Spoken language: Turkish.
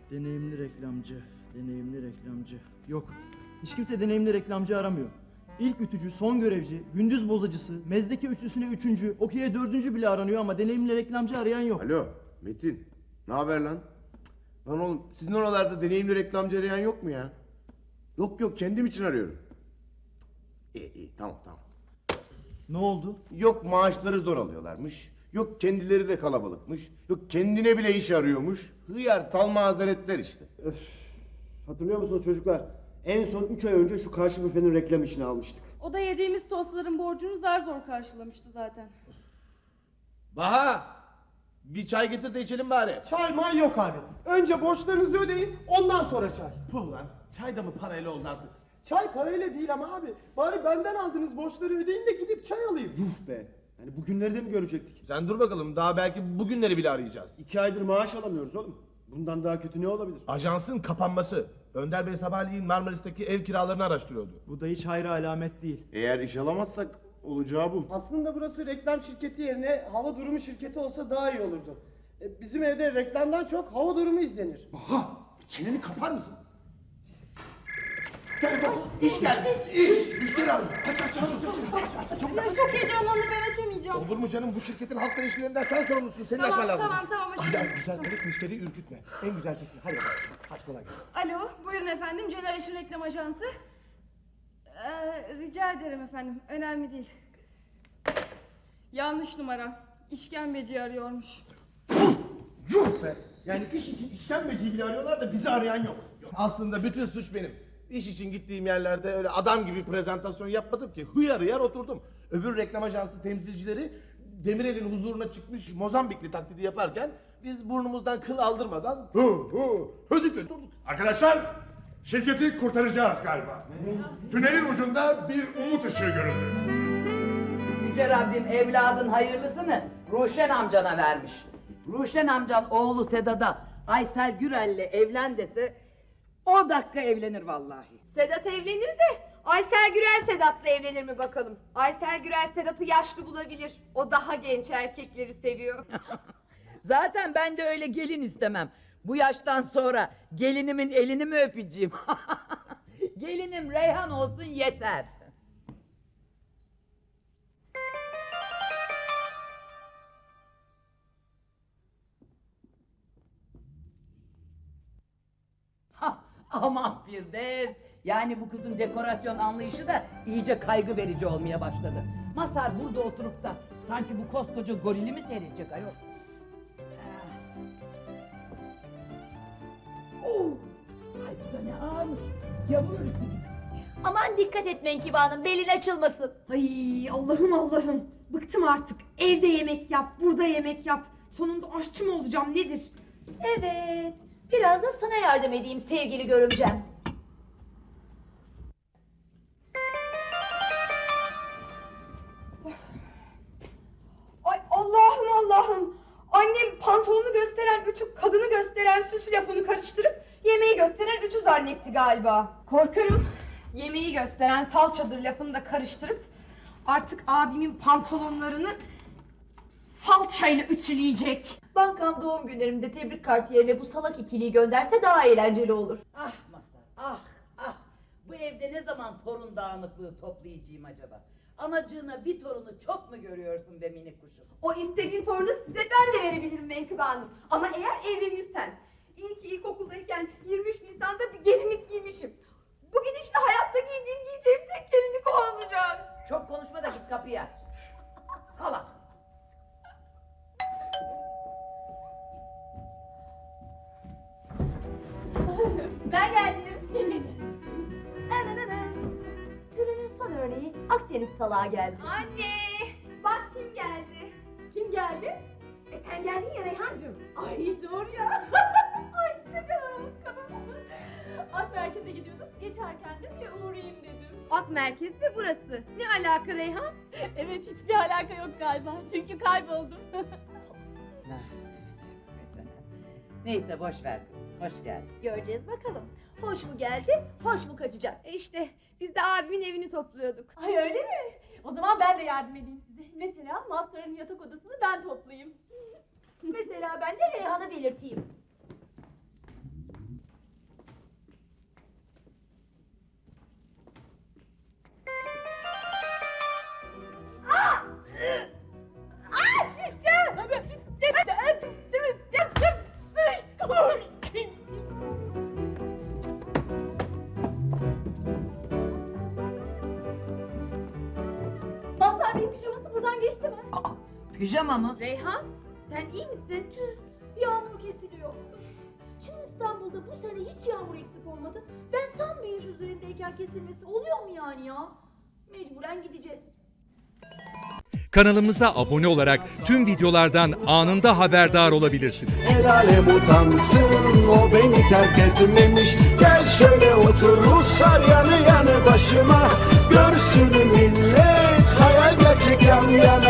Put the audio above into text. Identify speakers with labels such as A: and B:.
A: Deneyimli reklamcı, deneyimli reklamcı. Yok, hiç kimse deneyimli reklamcı aramıyor. İlk ütücü, son görevci, gündüz bozacısı, mezdeke üçlüsüne üçüncü, okey'e dördüncü bile aranıyor ama deneyimli reklamcı arayan yok.
B: Alo Metin, ne haber lan? Lan oğlum sizin oralarda deneyimli reklamcı arayan yok mu ya? Yok kendim için arıyorum. İyi tamam.
A: Ne oldu?
B: Yok maaşları zor alıyorlarmış. Yok kendileri de kalabalıkmış. Yok kendine bile iş arıyormuş. Hıyar salma hazaretler işte.
C: Hatırlıyor musunuz çocuklar? En son 3 ay önce şu karşı büfenin reklam işini almıştık.
D: O da yediğimiz tostların borcunu zar zor karşılamıştı zaten.
E: Baha! Bir çay getir de içelim bari.
F: Çay may yok abi. Önce borçlarınızı ödeyin, ondan sonra çay.
E: Puh lan, çay da mı parayla oldu artık?
F: Çay parayla değil ama abi. Bari benden aldığınız borçları ödeyin de gidip çay alayım.
C: Yuh be! Yani bugünleri de mi görecektik?
E: Sen dur bakalım, daha belki bugünleri bile arayacağız.
C: 2 aydır maaş alamıyoruz oğlum. Bundan daha kötü ne olabilir?
E: Ajansın kapanması. Önder Bey sabahleyin Marmaris'teki ev kiralarını araştırıyordu.
A: Bu da hiç hayra alamet değil.
B: Eğer iş alamazsak olacağı bu.
F: Aslında burası reklam şirketi yerine hava durumu şirketi olsa daha iyi olurdu. Bizim evde reklamdan çok hava durumu izlenir.
E: Aha! Çeneni kapar mısın? Telefon, iş geldi, iş! Müşteri arıyor. Aç.
D: Ya çok heyecanlandım, ben açamayacağım.
E: Olur mu canım, bu şirketin halkla ilişkilerinden sen sorumlusun, senin
D: Tamam,
E: açman lazım.
D: tamam, açacağım.
E: Güzel, böyle müşteriyi ürkütme. En güzel sesini, hadi bakalım. Hadi kolay gelsin.
D: Alo, buyurun efendim, Generation Reklam Ajansı. Rica ederim efendim, önemli değil. Yanlış numara, işkembeci arıyormuş.
E: Yuh be! Yani iş için işkembeciyi bile arıyorlar da bizi arayan yok. Aslında bütün suç benim. İş için gittiğim yerlerde öyle adam gibi prezentasyon yapmadım ki. Hıyar oturdum. Öbür reklam ajansı temsilcileri Demirel'in huzuruna çıkmış Mozambikli taklidi yaparken biz burnumuzdan kıl aldırmadan hödük oturduk.
G: Arkadaşlar, şirketi kurtaracağız galiba. Tünelin ucunda bir umut ışığı görüldü.
H: Yüce Rabbim evladın hayırlısını Ruşen amcana vermiş. Ruşen amcan oğlu Sedat'a Aysel Gürel'le evlen dese o dakika evlenir vallahi.
I: Sedat evlenir de Aysel Gürel Sedat'la evlenir mi bakalım? Aysel Gürel Sedat'ı yaşlı bulabilir. O daha genç erkekleri seviyor.
H: Zaten ben de öyle gelin istemem. Bu yaştan sonra gelinimin elini mi öpeceğim? Gelinim Reyhan olsun yeter. Aman Firdevs! Yani bu kızın dekorasyon anlayışı da iyice kaygı verici olmaya başladı. Mazhar burada oturup da sanki bu koskoca gorili mi seyredecek ayol? Ay bu da ne ağırmış. Yavur ölüsü gibi.
I: Aman dikkat et Menkıbe Hanım, belin açılmasın.
J: Ay Allah'ım. Bıktım artık. Evde yemek yap, burada yemek yap. Sonunda aşçı mı olacağım nedir?
I: Evet, biraz da sana yardım edeyim sevgili görümcem.
J: Ay Allah'ım. Annem pantolonu gösteren ütü, kadını gösteren süs lafını karıştırıp yemeği gösteren ütü zannetti galiba.
I: Korkarım yemeği gösteren salçadır lafını da karıştırıp
J: Artık abimin pantolonlarını salçayla ütüleyecek.
I: bankam doğum günlerimde tebrik kartı yerine bu salak ikiliyi gönderse daha eğlenceli olur.
H: Ah Mazhar, ah! Bu evde ne zaman torun dağınıklığı toplayacağım acaba? Anacığına bir torunu çok mu görüyorsun be minik kuşum?
I: O istediğin torunu size ben de verebilirim Menkıbe Hanım. Ama eğer evlenirsen. İyi ki ilkokuldayken 23 Nisan'da bir gelinlik giymişim. Bu gidişle hayatta giyeceğim tek gelinlik o olacak.
H: Çok konuşma da git kapıyı aç. Salak!
I: Ben geldim. Türünün son örneği Akdeniz salağı geldi. Anne! Bak kim geldi. Kim geldi? Sen geldin ya Reyhancığım. Ay doğru ya. Ay ne kadar unutkanım.
D: Ak merkeze gidiyordum, geçerken de bir uğrayayım dedim.
I: Ak merkez de burası. Ne alaka Reyhan?
D: Evet, hiçbir alaka yok galiba, çünkü kayboldum.
H: Neyse boş ver kızım, hoş geldin.
I: Göreceğiz bakalım. Hoş mu geldi, hoş mu kaçacak? İşte biz de abimin evini topluyorduk.
D: Ay öyle mi? O zaman ben de yardım edeyim size. Mesela Mazhar'ın yatak odasını ben toplayayım.
I: Mesela ben de Reyhan'ı delirteyim.
D: oradan geçti mi?
H: Aa, pijama mı?
I: Reyhan, sen iyi misin?
D: Tüh, yağmur kesiliyor. Şu İstanbul'da bu sene hiç yağmur eksik olmadı. Ben tam bir iş üzerindeyken kesilmesi oluyor mu yani ya? Mecburen gideceğiz.
K: Kanalımıza abone olarak tüm videolardan anında haberdar olabilirsiniz.
L: El alem utansın, o beni terk etmemiş. Gel şöyle otur Ruslar yanı yanı başıma. Görsün millet, hayal gerçek yan yana.